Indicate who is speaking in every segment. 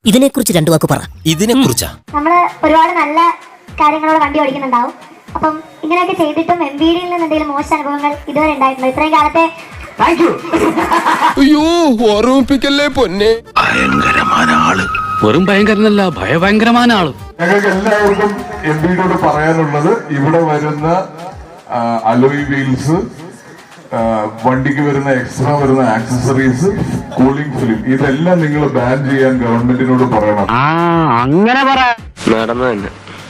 Speaker 1: ഇതിനെക്കുറിച്ച് രണ്ടു വാക്ക് പറ.
Speaker 2: ഇതിനെക്കുറിച്ചാ
Speaker 3: നമ്മള് ഒരുപാട് നല്ല കാര്യങ്ങളോട് വണ്ടി ഓടിക്കുന്നുണ്ടാവും. അപ്പം ഇങ്ങനെയൊക്കെ ചെയ്തിട്ടും MVD യിൽ നിന്ന് എന്തെങ്കിലും മോശം അനുഭവങ്ങൾ ഇതുവരെ ഉണ്ടായിട്ടുണ്ടോ? ഇത്രയും കാലത്തെ
Speaker 4: അയ്യോ ഓർമ്മിപ്പിക്കല്ലേ പൊന്നെ.
Speaker 5: ഭയങ്കരമായ ആള്.
Speaker 6: വെറും ഭയങ്കരനല്ല, ഭയഭയങ്കരമായ ആള്.
Speaker 7: ഞങ്ങൾക്ക് എല്ലാവർക്കും MVDയോട് പറയാനുള്ളത്, ഇവിടെ വരുന്ന അലോയ് വീൽസ്, വണ്ടിക്ക് വരുന്ന എക്സ്ട്രാ വരുന്ന ആക്സസറീസ്, കൂളിംഗ് ഫിലിം, ഇതെല്ലാം നിങ്ങൾ ബാൻ ചെയ്യാൻ ഗവൺമെന്റിനോട് പറയണം.
Speaker 6: അങ്ങനെ പറ.
Speaker 5: നടന്നു തന്നെ.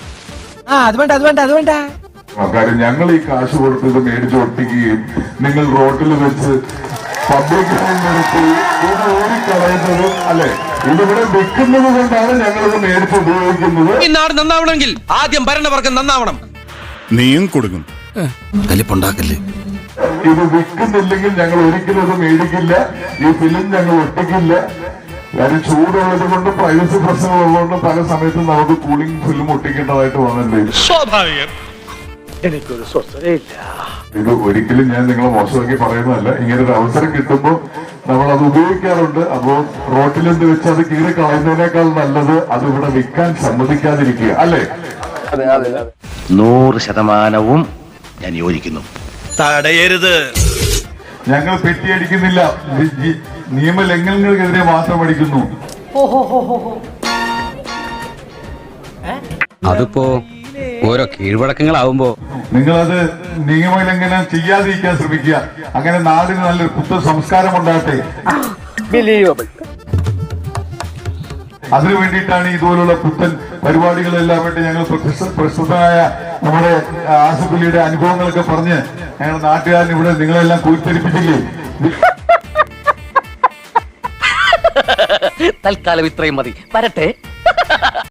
Speaker 7: കാര്യം ഞങ്ങൾ ഈ കാശ് കൊടുത്ത് ഇത് മേടിച്ച് ഒട്ടിക്കുകയും നിങ്ങൾ റോഡിൽ വെച്ച് പബ്ലിക് നിർത്തി ഇത് ഓടിക്കളയുന്നത്, അല്ലെ, ഇതിവിടെ വെക്കുന്നത് കൊണ്ടാണ് ഞങ്ങളിത് മേടിച്ച് ഉപയോഗിക്കുന്നത്.
Speaker 2: ഈ നാട് നന്നാവണമെങ്കിൽ ആദ്യം ഭരണവർഗം നന്നാവണം.
Speaker 4: നീയും കൊടുക്കും
Speaker 2: കലിപ്പുണ്ടാക്കല്ലേ.
Speaker 7: ഇത് വിൽക്കുന്നില്ലെങ്കിൽ ഞങ്ങൾ ഒരിക്കലും ഇത് മേടിക്കില്ല. ഈ ഫിലിം ഞങ്ങൾ ഒട്ടിക്കില്ല. കാര്യം ചൂടുള്ളത് കൊണ്ട്, പ്രൈവസി പ്രശ്നങ്ങളുള്ളതുകൊണ്ട് പല സമയത്തും നമുക്ക് കൂളിംഗ് ഫിലിം ഒട്ടിക്കേണ്ടതായിട്ട് വന്നിട്ടുണ്ട്.
Speaker 2: സ്വാഭാവികം.
Speaker 7: ഇത് ഒരിക്കലും ഞാൻ നിങ്ങളെ മോശമാക്കി പറയുന്നതല്ല. ഇങ്ങനെ ഒരു അവസരം കിട്ടുമ്പോൾ നമ്മൾ അത് ഉപയോഗിക്കാറുണ്ട്. അപ്പോ റോട്ടിലെന്ത് വെച്ച് അത് കീറി കളയുന്നതിനേക്കാൾ നല്ലത് അത് ഇവിടെ വിൽക്കാൻ സമ്മതിക്കാതിരിക്കുക, അല്ലേ?
Speaker 5: 100% ഞാൻ യോജിക്കുന്നു.
Speaker 2: തടയരുത്.
Speaker 7: ഞങ്ങൾ പെറ്റിയടിക്കുന്നില്ല, നിയമലംഘനങ്ങൾക്കെതിരെ മാത്രം അടിക്കുന്നു.
Speaker 6: അതിപ്പോ ഓരോ കീഴ്വഴക്കങ്ങളാവുമ്പോ
Speaker 7: നിങ്ങളത് നിയമലംഘനം ചെയ്യാതിരിക്കാൻ ശ്രമിക്കുക. അങ്ങനെ നാടിന് നല്ലൊരു പുത്തൻ സംസ്കാരം ഉണ്ടാകട്ടെ. അതിനു വേണ്ടിയിട്ടാണ് ഇതുപോലുള്ള പുത്തൻ പരിപാടികളെല്ലാം വേണ്ടി ഞങ്ങൾ പ്രസ്തുതമായ നമ്മുടെ ആസിഫലിയുടെ അനുഭവങ്ങളൊക്കെ പറഞ്ഞ് ഞങ്ങൾ നാട്ടുകാരൻ ഇവിടെ നിങ്ങളെല്ലാം കൂട്ടിരിപ്പിച്ചില്ലേ.
Speaker 6: തൽക്കാലം ഇത്രയും മതി. വരട്ടെ.